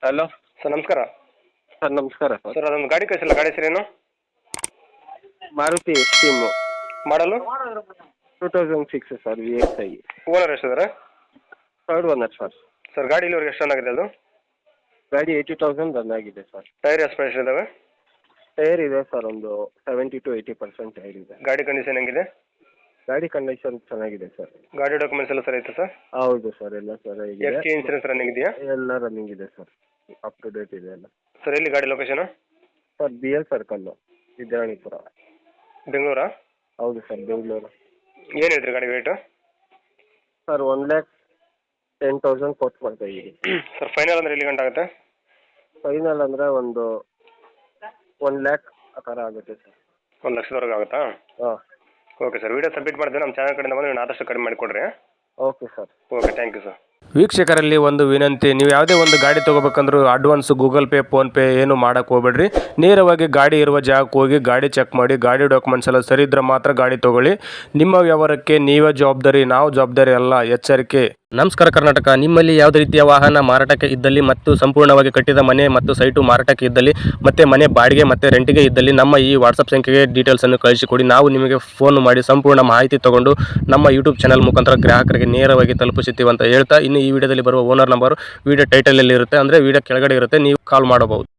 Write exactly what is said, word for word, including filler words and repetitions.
Hello sir ನಮಸ್ಕಾರ. Sir ನಮಸ್ಕಾರ sir. Sir ಅದೊಂದು ಗಾಡಿ ಕಳಿಸಿಲ್ಲ, ಗಾಡಿ ಹೆಸರೇನು? Maruti Esteem model two thousand six sir, V X I. Owner ಎಷ್ಟಿದ್ದಾರೆ? Third owner sir. ಸರ್ ಗಾಡಿ ಇಲ್ಲಿವರೆಗೆ ಎಷ್ಟು ಚೆನ್ನಾಗಿದೆ ಅದು? ಗಾಡಿ ಏಯ್ಟಿ ತೌಸಂಡ್ ರನ್ ಆಗಿದೆ ಸರ್. ಟೈರ್ ಎಷ್ಟು ಪರ್ಸೆಂಟ್ ಇದಾವೆ? ಟೈರ್ ಇದೆ ಸರ್, ಒಂದು seventy to eighty percent tyre ಇದೆ. ಗಾಡಿ ಕಂಡೀಷನ್ ಹೆಂಗಿದೆ? ಗಾಡಿ ಕಂಡೀಷನ್ ಚೆನ್ನಾಗಿದೆ ಸರ್. ಗಾಡಿ ಡಾಕ್ಯುಮೆಂಟ್ಸ್ ಎಲ್ಲ ಸರ್ ಐತೆ ಸರ್? ಹೌದು ಸರ್, ಎಲ್ಲ ಸರ್ ಇದೆ. ಎಫ್ ಟಿ ಇನ್ಸೂರೆನ್ಸ್ ರನ್ನಿಂಗ್ ಇದೆಯಾ? ಎಲ್ಲ ರನ್ನಿಂಗ್ ಇದೆ ಸರ್, ಅಪ್ ಟು ಡೇಟ್ ಇದೆ ಎಲ್ಲ. ಸರ್ ಎಲ್ಲಿ ಗಾಡಿ location? Sir B L circle, Vidyaranyapura. ಬೆಂಗಳೂರಾ? ಹೌದು ಸರ್, ಬೆಂಗಳೂರು. ಏನು ಹೇಳ್ತೀರಿ ಗಾಡಿ rate? Sir one lakh ten thousand ಕೊಟ್ಟು ಮಾಡ್ತಾ ಇದ್ದೀವಿ. ಸರ್ ಫೈನಲ್ ಅಂದರೆ ಎಲ್ಲಿ ಗಂಟೆ ಆಗುತ್ತೆ? ಫೈನಲ್ ಅಂದರೆ ಒಂದು ಒನ್ ಲ್ಯಾಕ್ ಆ ಥರ ಆಗುತ್ತೆ ಸರ್. ಒಂದು ಲಕ್ಷದವರೆಗೆ ಆಗುತ್ತಾ? ಹಾಂ. ಓಕೆ ಸರ್, ವಿಡಿಯೋ ಸಬ್ಮಿಟ್ ಮಾಡ್ತೀನಿ. ನಮ್ಮ ಚಾನಲ್ ಕಡೆಯಿಂದ ಬಂದು ನೀವು ಆದಷ್ಟು ಕಡಿಮೆ ಮಾಡಿಕೊಡ್ರಿ. Okay sir. Okay, thank you sir. ವೀಕ್ಷಕರಲ್ಲಿ ಒಂದು ವಿನಂತಿ, ನೀವು ಯಾವುದೇ ಒಂದು ಗಾಡಿ ತೊಗೋಬೇಕಂದ್ರೂ ಅಡ್ವಾನ್ಸ್ ಗೂಗಲ್ ಪೇ ಫೋನ್ಪೇ ಏನು ಮಾಡೋಕ್ಕೆ ಹೋಗ್ಬೇಡ್ರಿ. ನೇರವಾಗಿ ಗಾಡಿ ಇರುವ ಜಾಗಕ್ಕೆ ಹೋಗಿ ಗಾಡಿ ಚೆಕ್ ಮಾಡಿ, ಗಾಡಿ ಡಾಕ್ಯುಮೆಂಟ್ಸ್ ಎಲ್ಲ ಸರಿ ಇದ್ರೆ ಮಾತ್ರ ಗಾಡಿ ತೊಗೊಳ್ಳಿ. ನಿಮ್ಮ ವ್ಯವಹಾರಕ್ಕೆ ನೀವೇ ಜವಾಬ್ದಾರಿ, ನಾವು ಜವಾಬ್ದಾರಿ ಅಲ್ಲ, ಎಚ್ಚರಿಕೆ. ನಮಸ್ಕಾರ ಕರ್ನಾಟಕ. ನಿಮ್ಮಲ್ಲಿ ಯಾವುದೇ ರೀತಿಯ ವಾಹನ ಮಾರಾಟಕ್ಕೆ ಇದ್ದಲ್ಲಿ ಮತ್ತು ಸಂಪೂರ್ಣವಾಗಿ ಕಟ್ಟಿದ ಮನೆ ಮತ್ತು ಸೈಟು ಮಾರಾಟಕ್ಕೆ ಇದ್ದಲ್ಲಿ ಮತ್ತು ಮನೆ ಬಾಡಿಗೆ ಮತ್ತು ರೆಂಟಿಗೆ ಇದ್ದಲ್ಲಿ ನಮ್ಮ ಈ ವಾಟ್ಸಪ್ ಸಂಖ್ಯೆಗೆ ಡೀಟೇಲ್ಸನ್ನು ಕಳಿಸಿಕೊಡಿ. ನಾವು ನಿಮಗೆ ಫೋನ್ ಮಾಡಿ ಸಂಪೂರ್ಣ ಮಾಹಿತಿ ತಗೊಂಡು ನಮ್ಮ ಯೂಟ್ಯೂಬ್ ಚಾನಲ್ ಮುಖಾಂತರ ಗ್ರಾಹಕರಿಗೆ ನೇರವಾಗಿ ತಲುಪಿಸುತ್ತೀವಿ ಅಂತ ಹೇಳ್ತಾ, ಇನ್ನು ಈ ವಿಡಿಯೋದಲ್ಲಿ ಬರುವ ಓನರ್ ನಂಬರ್ ವಿಡಿಯೋ ಟೈಟಲಲ್ಲಿ ಇರುತ್ತೆ, ಅಂದರೆ ವಿಡಿಯೋ ಕೆಳಗಡೆ ಇರುತ್ತೆ, ನೀವು ಕಾಲ್ ಮಾಡಬಹುದು.